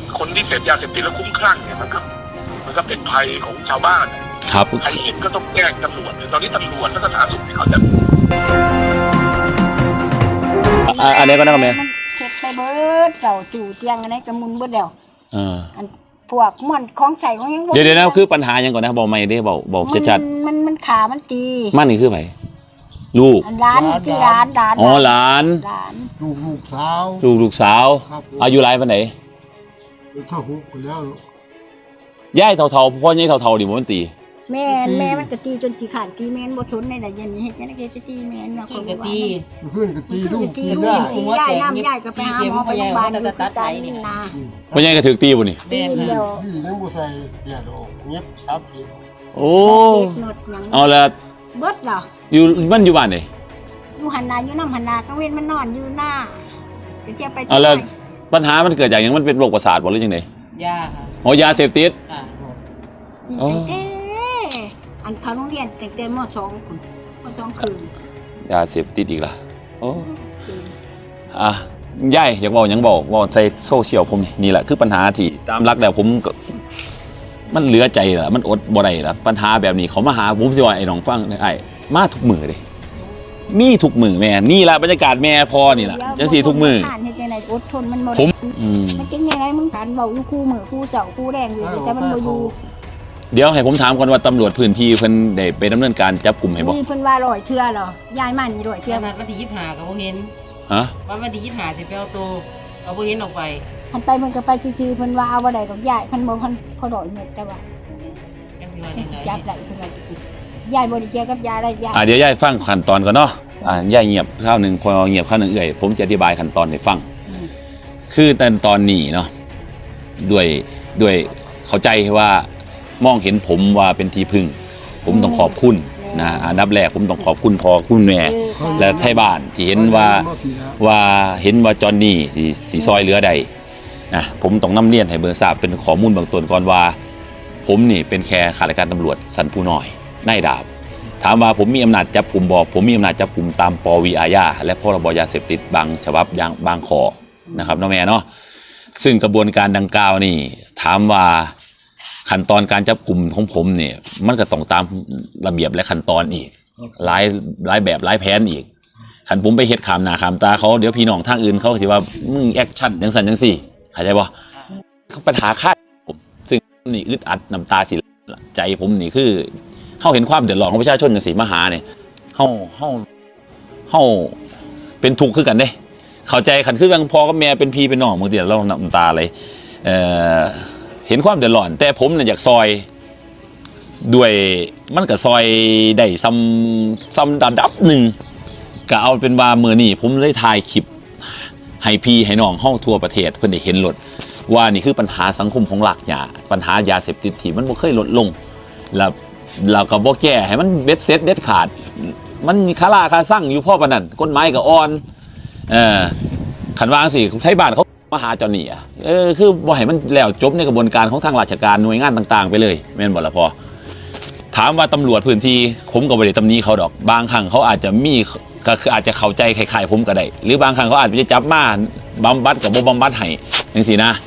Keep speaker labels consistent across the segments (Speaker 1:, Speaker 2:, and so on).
Speaker 1: คนที่เสพยาเสพติดแล้วคุ้มคลั่งเนี่ยมันก็เป็นภัยของชาวบ้าน
Speaker 2: ครับ
Speaker 1: ใครเห็นก็ต้องแจ้งตำรวจตอนนี้ตำรวจและสาธารณสุขเขาจะ
Speaker 2: อันนี้ก็นะครับแม่
Speaker 3: เฮ็ดไปเบิดเจ้าจู่เตียงอันนี้กระมุนเบิดแล้วอันพวกมันของใส่ของยัง
Speaker 2: เดี๋ยวนะคือปัญหายังก่อนนะบอกไม่ได้บอกชัด
Speaker 3: ๆมันขามันตี
Speaker 2: มันนี่คือไผลูก
Speaker 3: ร้านที่ร้าน
Speaker 2: อ๋อหลานลูกสาวอายุหลายปานไหน
Speaker 4: เท่าหุบแล้ว
Speaker 2: ย่ายเท่าๆพ่อใหญ่เท่าๆดิมันตี
Speaker 3: แม่มันก็ตีจนขี้ขาดตีแม่นบ่ทนในน่ะยันนี้เฮ็ดจังได๋จะตีแม่นว่าคนก็ตี
Speaker 4: ขึ้นก็ตีลูก
Speaker 3: ยายน้ำยายก็ไปหาหมอไปโรงพยาบาลตัดไหลนี่นะ
Speaker 2: พ่อใหญ่ก็ถูกตีบ่นี่
Speaker 3: ตีเดียว
Speaker 4: ยังบ่ใส่เสียดอกเงียบครับ
Speaker 2: โอ้เอาละ
Speaker 3: เบิดเหรอ
Speaker 2: อยู่มันอยู่บ้านไหน
Speaker 3: อยู่หันนาอยู่น้ำหันนากลางเว้นมันนอนอยู่หน้าจะไป
Speaker 2: เอาละปัญหามันเกิดจากอย่างมันเป็นโรคประสาทบ่หรือยังไง
Speaker 5: ยาค่ะ
Speaker 2: อ๋อยาเสพติด
Speaker 3: อันเขาโรงเรียนแต่ม.2 คืน
Speaker 2: ยาเสพติดอีกล่ะโอ้ย่ายอยากบอกยังบอกใจโซเชียลผมนี่แหละคือปัญหาที่ตามรักแล้วผมมันเหลือใจล่ะมันอดบ่ได้ล่ะปัญหาแบบนี้เขามาหาผมสิว่าไอ้น้องฟังไอ้มาทุกมื้อเด้มีทุกมื้อแม่นี่ล่ะบรรยากาศแม่พอนี่ล่ะจังซี่ทุกมื้อ
Speaker 3: อดทนมันบ่มันเป็นยังไงมึงการเว้าอยู่คู่มื้อคู่เสาคู่แรงอยู่แต่มันบ่อยู่
Speaker 2: เดี๋ยวให้ผมถามก่อนว่าตำรวจพื้นที่เพิ่นได้ไปดำเนินการจับกลุ่มให้บ่
Speaker 3: มีเพิ่นว่า100เทื่อเหรอยายมานี่100เทื่อ
Speaker 5: วันที่25ก็บ่เห็น
Speaker 2: ฮะ
Speaker 5: วันที่25สิไปเอาตัวเอาบ่เห็นออกไป
Speaker 3: คันไปมันก็ไปซื่อๆเพิ่นว่าเอาบ่ได้ดอกยายคันบ่เพิ่นพอ100เม็ดแต่ว่าจับได้เพิ่นว่าสิยายบ่ได้เกี่ยวกับยาได้ยาย
Speaker 2: เดี๋ยวยายฟังขั้นตอนก่อนเนาะยายเงียบคราวนึงพอเงียบคราวนึงผมจะอธิบายขั้นตอนให้ฟังคือตอนนี้เนาะด้วยเข้าใจว่ามองเห็นผมว่าเป็นที่พึ่งผมต้องขอบคุณนะอันดับแรกผมต้องขอบคุณพ่อคุณแม่และไทบ้านที่เห็นว่าจอนนี่ที่สีซอยเหลือใดนะผมต้องนำเรียนให้เบอร์ทราบเป็นข้อมูลบางส่วนก่อนว่าผมนี่เป็นแค่ข้าราชการตำรวจสันผู้น้อยนายดาบถามว่าผมมีอำนาจจับกลุ่มบ่ผมมีอำนาจจับกลุ่มตามปวีอาญาและพรบยาเสพติดบางฉบับอย่างบางข้อนะครับน้องแม่เนาะซึ่งกระบวนการดังกล่าวนี่ถามว่าขั้นตอนการจับกลุ่มของผมเนี่ยมันก็ต้องตามระเบียบและขั้นตอนอีกหลายแบบหลายแผนอีกขันผมไปเฮ็ดขามหน้าขามตาเขาเดี๋ยวพี่น้องทางอื่นเขาสิว่ามึงแอคชั่นจังสันจังสี่เข้าใจบ่ปัญหาคาดผมซึ่งนี่อึดอัดน้ำตาสิใจผมนี่คือเฮาเห็นความเดือดร้อนของประชาชนจังซี่มาหาเนี่ยเฮาเป็นทุกข์คือกันเด้เข้าใจขันคือยังพ่อกับแม่เป็นพี่เป็นน้องบางทีเราน้ำตาเลยเห็นความเดือดร้อนแต่ผมเนี่ยอยากซอยด้วยมันก็ซอยได้ซ้ำระดับหนึ่งก็เอาเป็นว่ามื้อนี้ผมได้ถ่ายคลิปให้พี่ให้น้องเฮาทั่วประเทศเพิ่นได้เห็นรถว่านี่คือปัญหาสังคมของหลักหยาปัญหายาเสพติดที่มันบ่เคยลดลงแล้วเราก็บ่แก้ให้มันเบ็ดเสร็จเด็ดขาดมันคาราคาสั่งอยู่พ่อปานนั้นกฎหมายก็อ่อนคันว่าจังซี่ไทบ้านเขามาหาจอนนี่คือบ่ให้มันแล้วจบในกระบวนการของทางราชการหน่วยงานต่างๆไปเลยแม่นบ่ล่ะพอถามว่าตำรวจพื้นที่ผมก็บ่ได้ตำหนิเขาดอกบางครั้งเขาอาจจะมีก็คืออาจจะเข้าใจคล้ายๆผมก็ได้หรือบางครั้งเขาอาจจะจับมาบำบัดกับบ่บำบัดให้จังซี่นะ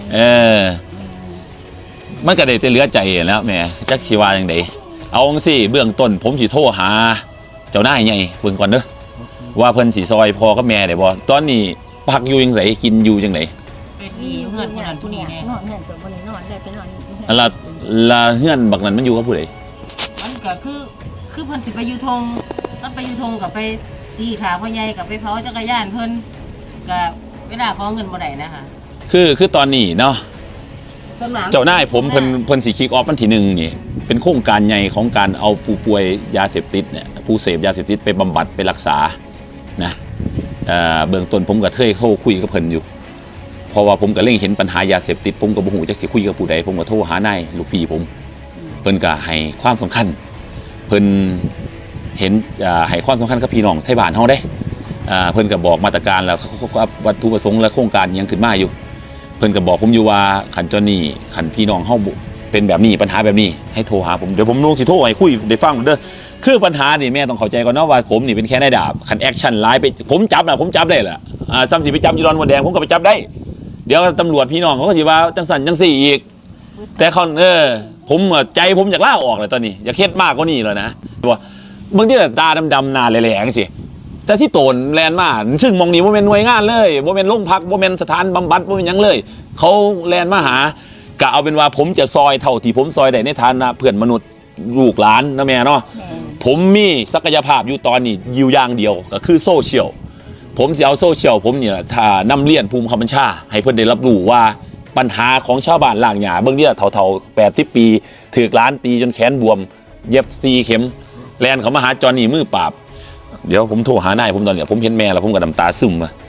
Speaker 2: มันก็ได้แต่เหลือใจแล้วแม่จักสิว่าจังได๋เอาจังซี่เบื้องต้นผมสิโทรหาเจ้านายใหญ่เบิ่งก่อนเด้อว่าเพิ่นสิซอยพ่อกับแม่ได้บ่ตอนนี้พักอยู่จังไดกินอยู่จังได๋
Speaker 5: เป็นนี่เฮือนคนนั้นผู้นี้แน่
Speaker 3: นอนเฮือนก็บ่ได้นอนได้ไปนอน
Speaker 2: ละเฮือนบักนั้นมันอยู่กับผู้ใด
Speaker 5: มันก็คือเพิ่นสิไปอยู่ทงมันไปอยู่ทงกับไปตีขาพ่อใหญ่กับไปเผาจักรยานเพิ่นก็เวลาขอเงินบ่ได้นะคะ
Speaker 2: คือตอนนี้เนาะเจ้านายผมเพิ่นสิคิกออฟวันที่1นี่เป็นโครงการใหญ่ของการเอาผู้ป่วยยาเสพติดเนี่ยผู้เสพยาเสพติดไปบำบัดไปรักษานะเบื้องต้นผมก็เคยเข้าคุยกับเพิ่นอยู่เพราะว่าผมก็เล็งเห็นปัญหายาเสพติดผมก็บ่ฮู้จักสิคุยกับผู้ใดผมก็โทรหานายลูกพี่ผมเพิ่นก็ให้ความสำคัญเพิ่นเห็นให้ความสำคัญกับพี่น้องไทบ้านเฮาเด้เพิ่นก็บอกมาตรการแล้ววัตถุประสงค์และโครงการยังขึ้นมาอยู่เพิ่นก็บอกผมอยู่ว่าขันจอนนี่ขันพี่น้องเฮาเป็นแบบนี้ปัญหาแบบนี้ให้โทรหาผมเดี๋ยวผมลงสิโทรให้คุยได้ฟังเด้อคือปัญหานี่แม่ต้องเข้าใจก่อนเนาะว่าผมนี่เป็นแค่นายดาบขันแอคชั่นไลน์ไปผมจับได้แหละซ้ำสิไปจับยูรอนวันแดงผมก็ไปจับได้ดี๋ยวตำรวจพี่น้องเขาก็สิว่าจังสันจังสี่อีกแต่เขาผมใจผมอยากล่าออกเลยตอนนี้อยากเฮ็ดมากกว่านี้แล้วนะว่าบางทีแต่ตาดำๆหน้าแหลงๆสิแต่ที่โตนแลนมาซึ่งมองนี้ว่าเป็นหน่วยงานเลยว่าเป็นโรงพักว่าเป็นสถานบำบัดว่าเป็นหยังเลยเขาแลนมาหากะเอาเป็นว่าผมจะซอยเท่าที่ผมซอยได้ในฐานะเพื่อนมนุษย์ลูกหลานนะแม่เนาะผมมีศักยภาพอยู่ตอนนี้อยู่อย่างเดียวก็คือโซเชียลผมสิเอาโซเชียลผมเนี่ยถ้านำเรียนภูมิคำบัญชาให้เพื่อนได้รับรู้ว่าปัญหาของชาวบ้านล่างหญ้าเบื้องเนี่ยเท่า80 ปีถือกล้านตีจนแขนบวมเย็บ4 เข็มแลนเขามาหาจอนี่มือปราบเดี๋ยวผมโทรหานายผมตอนเนี้ยผมเห็นแม่แล้วผมก็น้ำตาซึมอะ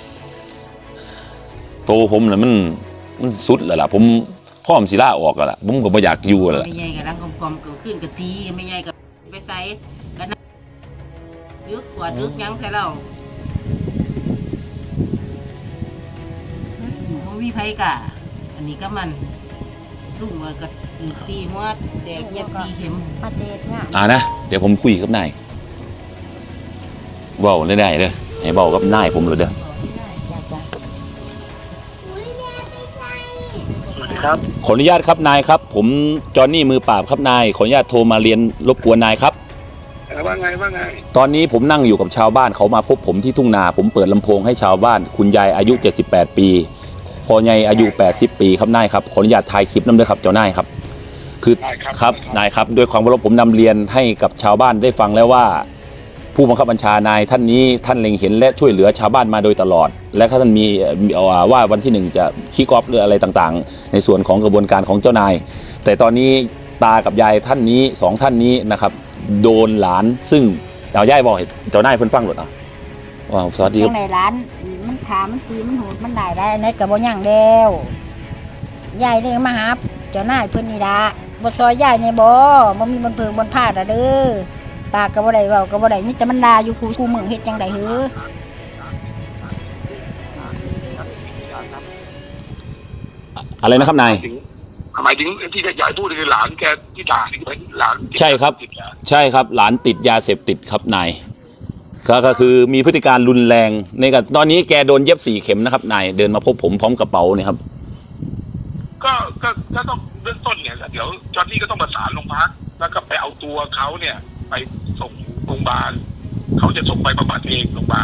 Speaker 2: โตผมน่ะมันสุดแล้วล่ะผมพร้อมสิลาออกแล้วล่ะผมก็บ่อยากอยู่แล้วล่ะ
Speaker 5: ไม่ใหญ่กับรังกลมๆเกิดขึ้นกับตีไม่ใหญ่กับไปใส่กันลึกกว่าลึกยังใส่เรามันมีไผกะอันนี้ก็มันลุงมันก็ตีหัวแตกเย็บ4 เข็ม
Speaker 3: ประเทศง่าย
Speaker 2: นะเดี๋ยวผมคุยกับนายเว้าได้เด้อให้เว้ากับนายผมเลยเด้อ
Speaker 1: สวัสดีครับ
Speaker 2: ขออนุญาตครับนายครับผมจอห์นนี่มือปราบครับนายขออนุญาตโทรมาเรียนรบกวนนายครับ
Speaker 1: ว่าไง
Speaker 2: ตอนนี้ผมนั่งอยู่กับชาวบ้านเขามาพบผมที่ทุ่งนาผมเปิดลำโพงให้ชาวบ้านคุณยายอายุ78 ปีพ่อใหญ่อายุ80 ปีครับนายครับขออนุญาตถ่ายคลิปนำด้วยครับเจ้านายครับคือครับนายครับด้วยความเคารพผมนำเรียนให้กับชาวบ้านได้ฟังแล้วว่าผู้บังคับบัญชานายท่านนี้ท่านเล็งเห็นและช่วยเหลือชาวบ้านมาโดยตลอดและท่านมีว่าวันที่1จะคิกออฟหรืออะไรต่างๆในส่วนของกระบวนการของเจ้านายแต่ตอนนี้ตากับยายท่านนี้2ท่านนี้นะครับโดนหลานซึ่งเอาย่ายบอกให้เจ้านายเพิ่นฟังหมดอ่ะว้าวสวัสดีค
Speaker 3: จั
Speaker 2: รับ
Speaker 3: งในร้านมันขามันตีมันหูดมันได้ในกระบ่ยังแล้วยายเลยมาหาเจ้านายเพิ่นนี่ล่ะบ่ซอยยายในบ่มีบนเพิงบนพาดเด้อปากก็บ่ได้เว้าก็บ่ได้มีแต่มันด่าอยู่คู่มือเฮ็ดจังได๋หือ
Speaker 2: อะไรนะครับนาย
Speaker 1: หมายถึงที่ยายพูดคือหลานแกที่ด่านี่เป็นหลาน
Speaker 2: ใช่ครับใช่ครับหลานติดยาเสพติดครับนายก็คือมีพฤติการรุนแรงในกับตอนนี้แกโดนเย็บ4 เข็มนะครับนายเดินมาพบผมพร้อมกระเป๋าเนี่ยครับ
Speaker 1: ก็ต้องเบื้องต้นเนี่ยเดี๋ยวจอห์นนี่ก็ต้องประสานโรงพักแล้วก็ไปเอาตัวเขาเนี่ยไปส่งโรงพยาบาลเขาจะส่งไปบำบัดเองโรงพยาบาล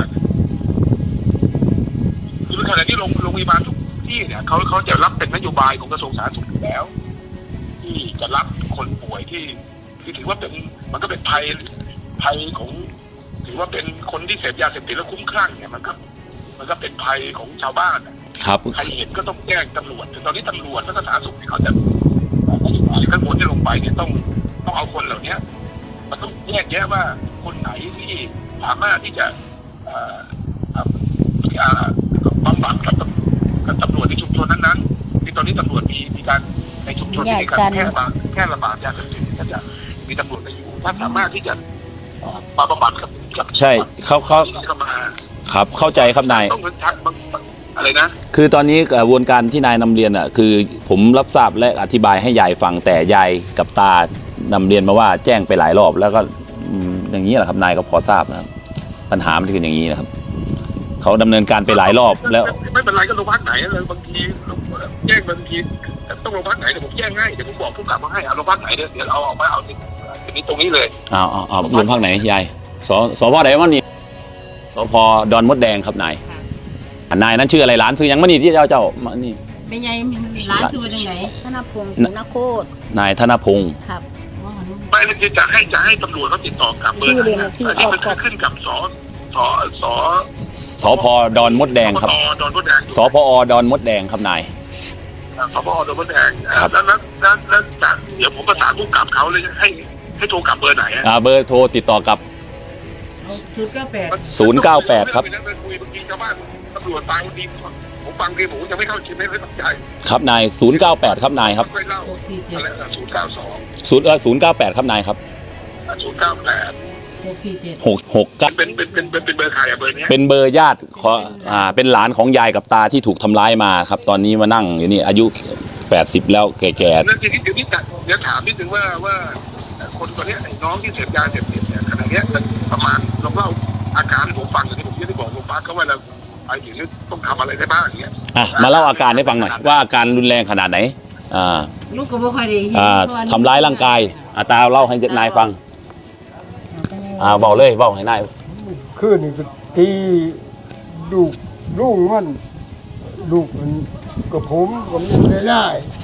Speaker 1: คือขณะที่โรงพยาบาลทุกที่เนี่ยเขาจะรับเป็นนโยบายของกระทรวงสาธารณสุขอยู่แล้วที่จะรับคนป่วยที่ถือว่าเป็นมันก็เป็นภัยของถือว่าเป็นคนที่เสพยาเสพติดแล้วคุ้มคลั่งเนี่ยมันก็เป็นภัยของชาวบ้าน
Speaker 2: ครับ
Speaker 1: ใครเห็นก็ต้องแจ้งตำรวจแต่ตอนนี้ตำรวจและสาธารณสุขเขาจะข้างบนที่ลงไปเนี่ยต้องเอาคนเหล่านี้มันต้องแยกแยะว่าคนไหนที่สามารถที่จะบำบัดกับตำรวจในชุมชนนั้นๆที่ตอนนี้ตำรวจมีการในชุมชนมีการแค่ระบาดยาเสพติดก็จะมีตำรวจไปอยู่ถ้าสามารถที่จะมาบำบัดกับ
Speaker 2: ใช่เขาครับเข้าใจครับนาย
Speaker 1: ต้องอะไรนะ
Speaker 2: คือตอนนี้กระบวนการที่นายนำเรียนอ่ะคือผมรับทราบและอธิบายให้ยายฟังแต่ยายกับตานำเรียนมาว่าแจ้งไปหลายรอบแล้วก็อย่างนี้แหละครับนายก็พอทราบนะครับปัญหามันคืออย่างนี้นะครับเขาดำเนินการไปหลายรอบแล้ว
Speaker 1: ไม่เป็นไรก็โรงพักไหนเลยบางทีแจ้งบางทีต้องโรงพักไหนเดี๋ยวผมแจ้งให้เดี๋ยวผมบอกผู้กำกับมาให้เอาโรงพักไหนเดี๋ยวเอามาเอาที่ตรงนี้เลย
Speaker 2: เอาโรงพักไหนยายสพไหนวะนี่สพดอนมดแดงครับนายนายนั้นชื่ออะไรหลานชื่อยังมานี่ที่เจ้ามานี่
Speaker 5: ไม่ใหญ่ร้านชื่อว่าจังไหน
Speaker 3: ธนพงศ์นโคตร
Speaker 2: นายธนพงศ์
Speaker 3: ครับ
Speaker 1: ไม่จะให้ตำรวจเขาติดต่อกลับเบอร์อันนี้มันขึ้นกับ
Speaker 2: สพดอนมดแดงครับสพอดอนมดแดงครับนาย
Speaker 1: สพดอนมดแดงแล้วจากเดี๋ยวผมประสานผู้กำกับเขาเลยให้โทรกลับเบอร์ไหน
Speaker 2: เบอร์โทรติดต่อกับ098ครับ
Speaker 1: ตำรวจตายวันดีผมฟังดีผมจะไม่เข้าชิมไม่ตั้งใจ
Speaker 2: ครับนาย098ครับนายครับ098ครับนายครับ647
Speaker 1: เป็นเบอร์ใครเบอร์นี้
Speaker 2: เป็นเบอร์ญาติเป็นหลานของยายกับตาที่ถูกทำร้ายมาครับตอนนี้มานั่งอยู่นี่อายุ80แล้วแก่ๆ
Speaker 1: นั่นทีนี้เดี๋ยวถามนิดนึงว่าคนคนนี้น้องที่เสพยาเสพติดเนี่ยขณะนี้ประมาณลองเล่าอาการผมฟังอย่างที่ผมได้บอกโรงพยาบาลเขาว่าเราไปถึงต้องทำอะไรได้บ้างอย่างเงี้ย
Speaker 2: มาเล่าอาการให้ฟังหน่อยว่าอาการรุนแรงขนาดไหน
Speaker 5: ลูกก็บ่ค่อยได้เห็น
Speaker 2: ทำร้ายร่างกายตาเล่าให้นายฟังเบาเลยเบาให้นาย
Speaker 4: คืนนี่ก็ตีลูกมันกับผมไม่ได้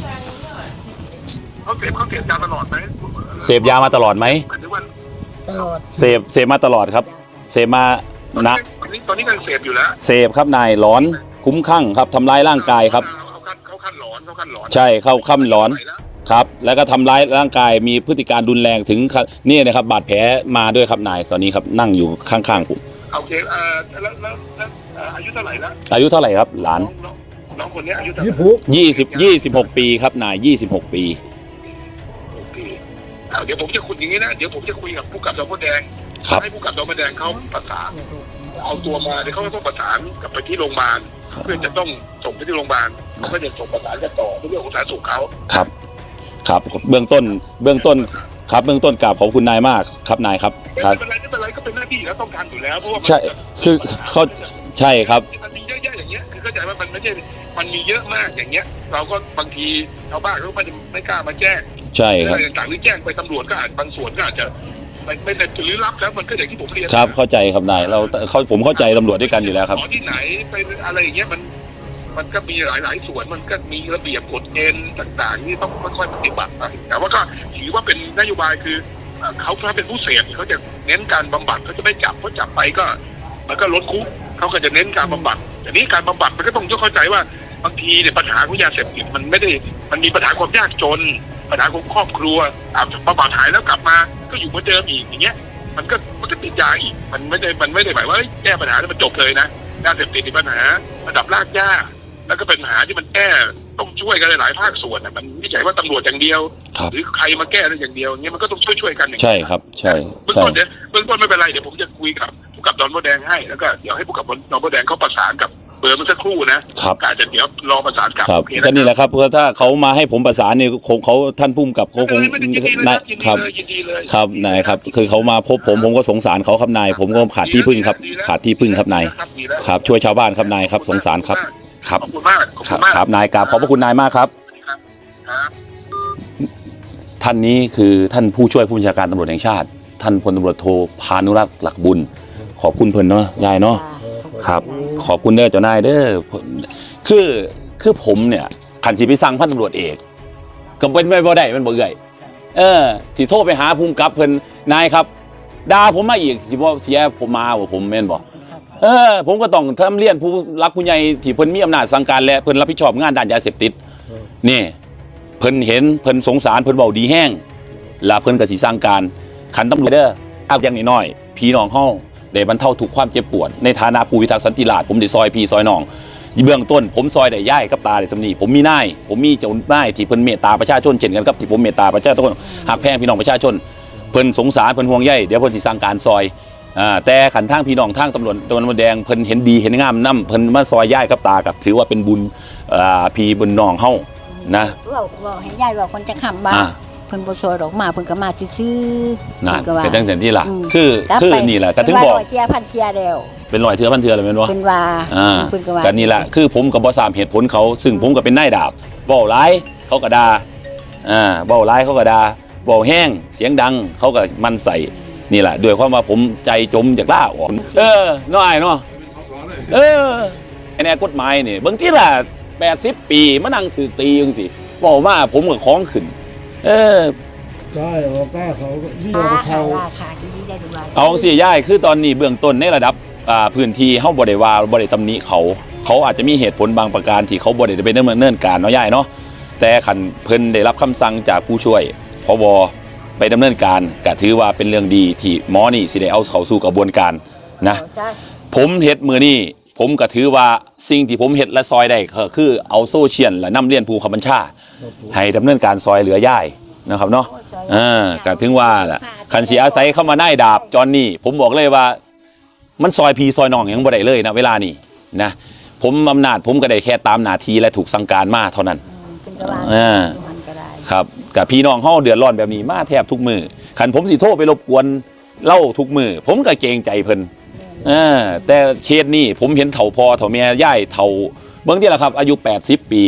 Speaker 1: เขาเสพยาตลอดไหม
Speaker 2: เสพยามาตลอดไหม
Speaker 1: หมายถึงว่า
Speaker 3: ตลอด
Speaker 2: เสพมาตลอดครับเสพมานะ
Speaker 1: ตอนนี้ยังเสพอยู่แล้ว
Speaker 2: เสพครับนายหลอนคุ้มคลั่งครับทำร้ายร่างกายครับ
Speaker 1: เขาขั้นหลอน
Speaker 2: ใช่เข้าขั้นหลอนครับแล้วก็ทำร้ายร่างกายมีพฤติการรุนแรงถึงนี่นะครับบาดแผลมาด้วยครับนายตอนนี้ครับนั่งอยู่ข้างๆผม
Speaker 1: โอเคแล้วอายุเท่าไหร่แล้ว
Speaker 2: อายุเท่าไหร่ครับหลาน
Speaker 1: น้องคนนี้อายุเท่าไห
Speaker 4: ยี่
Speaker 1: ร่
Speaker 4: สิบ
Speaker 2: 26 ปีครับนาย26 ปี
Speaker 1: โอเคเดี๋ยวผมจะคุยอย่างนี้นะเดี๋ยวผมจะคุยกับผู้กำกับสพแดง
Speaker 2: ครับ
Speaker 1: ให้ผู้กำกับสพแดงเขาประสานเอาตัวมาเดี๋ยวเขาก็ต้องประสานกับไปที่โรงพยาบาลเพื่อจะต้องส่งไปที่โรงพยาบาลเขาก็จะส่งประสานกันต่อในเรื่องของสาธารณสุขเขา
Speaker 2: ครับครับเบื้องต้นครับเบื้องต้นกราบขอบคุณนายมากครับนายครับค
Speaker 1: ไม่
Speaker 2: รับ
Speaker 1: เป็นไรก็เป็นหน้าที่แล้วต้องทำอยู่แล้วเพราะว่า
Speaker 2: ใช่คือเขาใช่ครับ
Speaker 1: มันมีเยอะแยะอย่างเงี้ยคือเข้าใจว่ามันไม่ใช่มันมีเยอะมากอย่างเงี้ย เราก็บางทีชาวบ้านเขาไม่กล้ามาแจ้ง
Speaker 2: ใช่ครับ
Speaker 1: อะไรต่างๆหรือแจ้งไปตำรวจก็อาจบางส่วนก็อาจจะไม่ได้หรือรับแล้วมันก็อย่างที่ผมเรียน
Speaker 2: ครับเข้าใจครับนายผมเข้าใจตำรวจด้วยกันอยู่แล้วครับ
Speaker 1: หมอที่ไหนไปอะไรอย่างเงี้ยมันก็มีหลายส่วนมันก็มีระเบียบกฎเกณฑ์ต่างๆที่ต้องค่อยๆปฏิบัติไปแต่ว่าก็ถือว่าเป็นนโยบายคือเขาถ้าเป็นผู้เสพเขาจะเน้นการบำบัดเขาจะไม่จับเพราะจับไปก็มันก็ล้นคุกเขาก็จะเน้นการบำบัดแต่นี้การบำบัดมันก็ต้องเข้าใจว่าบางทีเนี่ยปัญหาของยาเสพติดมันไม่ได้มันมีปัญหาความยากจนปัญหาของครอบครัวบำบัดหายแล้วกลับมาก็อยู่เหมือนเดิมอีกอย่างเงี้ยมันก็ติดยาอีกมันไม่ได้หมายว่าแก้ปัญหาแล้วมันจบเลยนะยาเสพติดมีปัญหาระดับรากหญ้าแล้วก็เป็นปัญหาที่มันแก้ต้องช่วยกันหลายภาคส่วนมันไม่ใช่ว่าตำรวจอย่างเดียวหรือใครมาแก้ได้อย่างเดียวเงี้ยมันก็ต้องช่วยกันอย่าง
Speaker 2: ใช่ครับใช่
Speaker 1: เบื้องต้นไม่เป็นไรเดี๋ยวผมจะคุยกับผู้กับดอนโบแดงให้แล้วก็เดี๋ยวให้ผู้กับดอนโบแดงเขาประสานกับเบอร์มันสักครู่นะครับอาจจะเดี๋ยวรอประสานกับ
Speaker 2: ครับ
Speaker 1: โอเค
Speaker 2: ก็นี่แหละครับเพราะถ้าเขามาให้ผมประสานนี่คงเขาท่านพุ่มกับเขาคง
Speaker 1: ยินดีเลย
Speaker 2: นาย
Speaker 1: ยิน
Speaker 2: ค
Speaker 1: ดี
Speaker 2: รับ
Speaker 1: เลยยินดีเลย
Speaker 2: ครับนายครับคือเขามาพบผมก็สงสารเขาครับนายผมก็ขาดที่พึ่งครับขาดที่พึ่งครับนายครับช่วยชาวบ้านครับนายครับสงสารครับครับ
Speaker 1: ขอบคุณมากขอบ
Speaker 2: ค
Speaker 1: คุ
Speaker 2: รับ
Speaker 1: ณมาก
Speaker 2: ครับนายกราบขอบพระคุณนายมากครับ
Speaker 1: ครับ
Speaker 2: ท่านนี้คือท่านผู้ช่วยผู้บัญชาการตำรวจแห่งชาติ ท่านพลตำรวจโทพานุรักษ์หลักบุญ ขอบคุณเพิ่นเนาะยายเนาะครับ ขอบคุณเด้อเจ้านายเด้อคือผมเนี่ยขันสิไปสั่งพันตำรวจเอกก็เป็นไปบ่ได้มันบ่เอื่อยสิโทรไปหาภูมิกับเพิ่นนายครับด่าผมมาอีกสิบ่เสียผมมาบ่ผมแม่นบ่ผมก็ต้องทำเรียนผู้รักผู้ใหญ่ที่เพิ่นมีอำนาจสั่งการและเพิ่นรับผิดชอบงานด้านยาเสพติดนี่เพิ่นเห็นเพิ่นสงสารเพิ่นเว้าดีแห้งแล้วเพิ่นก็สิสั่งการขันตำรวจเด้อเอาอย่างน้อยๆพี่น้องเฮาได้บรรเทาทุกความเจ็บปวดในฐานะผู้พิทักษ์สันติราษฎร์ผมได้ซอยพี่ซอยน้องเบื้องต้นผมซอยได้ย่ายกับตาได้สำนีผมมีนายผมมีเจ้านายที่เพิ่นเมตตาประชาชนเช่นกันกับที่ผมเมตตาประชาชนหักแพงพี่น้องประชาชนเพิ่นสงสารเพิ่นห่วงใยเดี๋ยวเพิ่นสิสั่งการซอยแต่ขันทางพี่น้องทางตำรวจตะวันแดงเพิ่นเห็นดีเห็นงามนำเพิ่นมาซอยย่ายกับตากับถือว่าเป็นบุญพี่บุญน้องเฮานะ
Speaker 3: เราให้ยายว่าคนจะขำบ้าเพิ่นบ่ซอยดอกมาเพิ่นก็มาซื่อๆ
Speaker 2: นั่น
Speaker 3: เพิ่นก็ว่า
Speaker 2: เป็นจังซี่ล่ะคือนี่แหละก็ถึงบอก
Speaker 3: เจียพันเจียแล้ว
Speaker 2: เป็นร้อยเทื่อพันเทื่อเลยแม่นบ่
Speaker 3: เพิ่นว่าเพิ่นก็ว่า
Speaker 2: กันนี่แหละคือผมกับบ่ทราบเหตุผลเขาซึ่งผมก็เป็นนายดาบเว้าร้ายเขาก็ด่าเว้าร้ายเขาก็ด่าเว้าแห้งเสียงดังเขาก็มันใส่นี่แหละด้วยความว่าผมใจจมจากล่าออกน้อยเนาะไอ้แนวกฎหมายนี่บางทีล่ะ80 ปีมานั่งถูกตีจังซี่เว้ามาผมก็ของขึ้น
Speaker 4: ได้ออกก้าเขาที่
Speaker 3: รา
Speaker 4: เรา
Speaker 3: คา
Speaker 4: เท่า
Speaker 3: ราคาที่ได้ดูว่า
Speaker 2: เอาสิย่ายคือตอนนี้เบื้องต้นในระดับพื้นที่เฮาบ่ได้ว่าบ่ได้ตำหนิเขาอาจจะมีเหตุผลบางประการที่เขาบ่ได้ไปดำเนินการเนาะย่ายเนาะแต่คันเพิ่นได้รับคำสั่งจากผู้ช่วยผบไปดำเนินการก็ถือว่าเป็นเรื่องดีที่หมอนี่สิได้เอาเข้าสู่กระบวนการนะผมเฮ็ดมื้อนี้ผมก็ถือว่าสิ่งที่ผมเฮ็ดและซอยได้ก็คือเอาโซเชียลและนำเรียนผู้ขับบัญชาให้ดำเนินการซอยเหลือย่ายนะครับเนาะก็ถึงว่าล่ะคันสิอาศัยเข้ามาได้ดาบจอนนี่ผมบอกเลยว่ามันซอยพีซอยน้องยังบ่ได้เลยนะเวลานี้นะผมอำนาจผมก็ได้แค่ตามหน้าที่และถูกสั่งการมาเท่านั้นครับกับพี่น้องเฮาเดือดร้อนแบบนี้มาแทบทุกมือคันผมสิโทรไปรบกวนเล่าทุกมือผมก็เกรงใจเพิ่นแต่เคสนี้ผมเห็นเฒ่าพอเฒ่าแม่ย่ายเฒ่าเบิ่งที่ละครับอายุ80ปี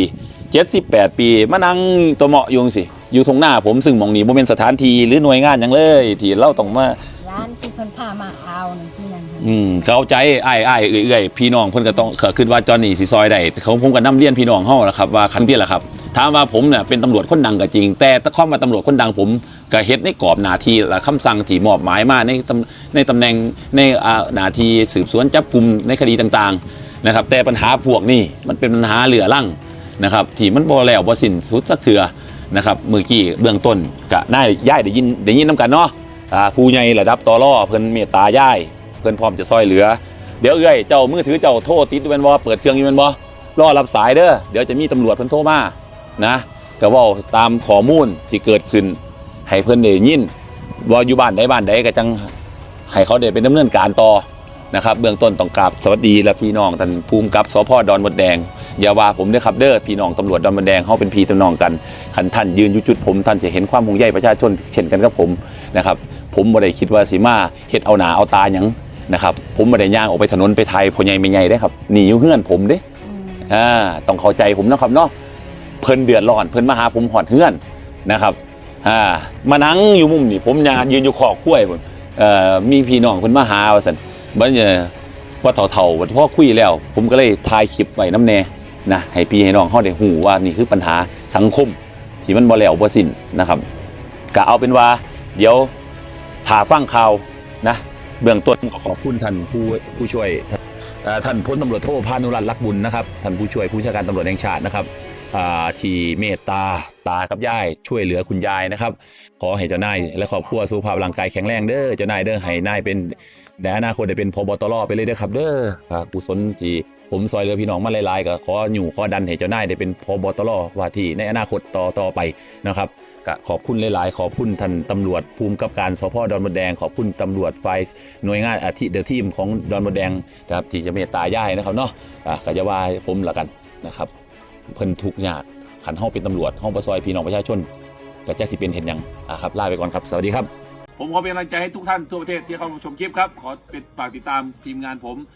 Speaker 2: 78ปีมานั่งตัวเหมาะอยู่จังซี่อยู่ตรงหน้าผมซึ่งหม่องนี้บ่แม่นสถานที่หรือหน่วยงานหยังเลยที่เราต้องมา
Speaker 3: ร้านที่เพิ่นพามาเอานั่นที่นั่น
Speaker 2: เข้าใจอ้ายเอื้อยๆพี่น้องเพิ่นก็ต้องคิดว่าจอห์นนี่สิซอยได้เขาผมก็นำเรียนพี่น้องเฮาล่ะครับว่าคันที่ล่ะครับถามว่าผมเนี่ยเป็นตำรวจคนดังก็จริงแต่ถ้าความว่าตำรวจคนดังผมก็เฮ็ดในกรอบหน้าที่และคำสั่งที่มอบหมายมาในตำแหน่งในหน้าที่สืบสวนจับกุมในคดีต่างๆนะครับแต่ปัญหาพวกนี้มันเป็นปัญหาเหลือรั่งนะครับที่มันบ่แล้วบ่สิ้นสุดสักเทื่อนะครับเมื่อกี้เบื้องต้นก็น่าย้ายได้ยินนำกันเนาะผู้ใหญ่ระดับตรเพิ่นเมตตาย้ายเพิ่นพร้อมจะซอยเหลือเดี๋ยวเอ้ยเจ้ามือถือเจ้าโทรติดอยู่แม่นบ่เปิดเครื่องอยู่แม่นบ่รอรับสายเด้อเดี๋ยวจะมีตำรวจเพิ่นโทรมานะก็เว้าตามข้อมูลที่เกิดขึ้นให้เพิ่นได้ยินว่าอยู่บ้านใดก็จังให้เขาได้เป็นดำเนินการต่อนะครับเบื้องต้นต้องกราบสวัสดีและพี่น้องท่านภูมิกับสภ.ดอนมดแดงอย่าว่าผมเด้อครับเด้อพี่น้องตำรวจดอนมดแดงเฮาเป็นพี่น้องกันคันท่านยืนอยู่จุดผมท่านจะเห็นความห่วงใยประชาชนเช่นกันกับผมนะครับผมบ่ได้คิดว่าสิมาเฮ็ดเอาหน้าเอาตาหยังนะครับผมบ่ได้ย่างออกไปถนนไปไทยพ่อใหญ่แม่ใหญ่เด้ครับหนีอยู่เฮือนผมเด้ต้องเข้าใจผมนะครับเนาะเพิ่นเดือดร้อนเพิ่นมาหาผมหอดเฮือนนะครับมานั่งอยู่มุมนี่ผมยืนอยู่ขอกล้วยพุ่นมีพี่น้องเพิ่นมาหาว่าซั่นบัดนี้ว่าเฒ่าๆพอคุยแล้วผมก็เลยถ่ายคลิปไว้นำแน่นะให้พี่ให้น้องเฮาได้ฮู้ว่านี่คือปัญหาสังคมที่มันบ่แล้วบ่สิ้นนะครับก็เอาเป็นว่าเดี๋ยวถ้าฟังข่าวนะเบื้องต้นขอบคุณท่านผู้ช่วยท่านพลตำรวจโทพานุรัตน์ลักษณ์บุญนะครับท่านผู้ช่วยผู้บัญชาการตำรวจแห่งชาตินะครับที่เมตตากับยายช่วยเหลือคุณยายนะครับขอให้เจ้านายและครอบครัวสุขภาพร่างกายแข็งแรงเด้อเจ้านายเด้อให้นายเป็นในอนาคตได้เป็นพบตรไปเลยเด้อครับเด้อกุศลที่ผมซอยเหลือพี่น้องมาหลายๆก็ขอดันให้เจ้านายได้เป็นพบตรว่าที่ในอนาคตต่อไปนะครับก็ขอบคุณหลายๆขอบคุณท่านตำรวจภูมิกับการสภ.ดอนมดแดงขอบคุณตำรวจฝ่ายหน่วยงานเดอะทีมของดอนมดแดงนะครับที่จะเมตตาย่ายนะครับเนาะก็จะว่าให้ผมละกันนะครับเพิ่นทุกข์ยากขันเฮาเป็นตำรวจเฮาบ่ซอยพี่น้องประชาชนก็จะสิเป็นเห็นหยังครับลาไปก่อนครับสวัสดีครับผมขอเป็นกำลังใจให้ทุกท่านทั่วประเทศที่เข้ามาชมคลิปครับขอฝากติดตามทีมงานผม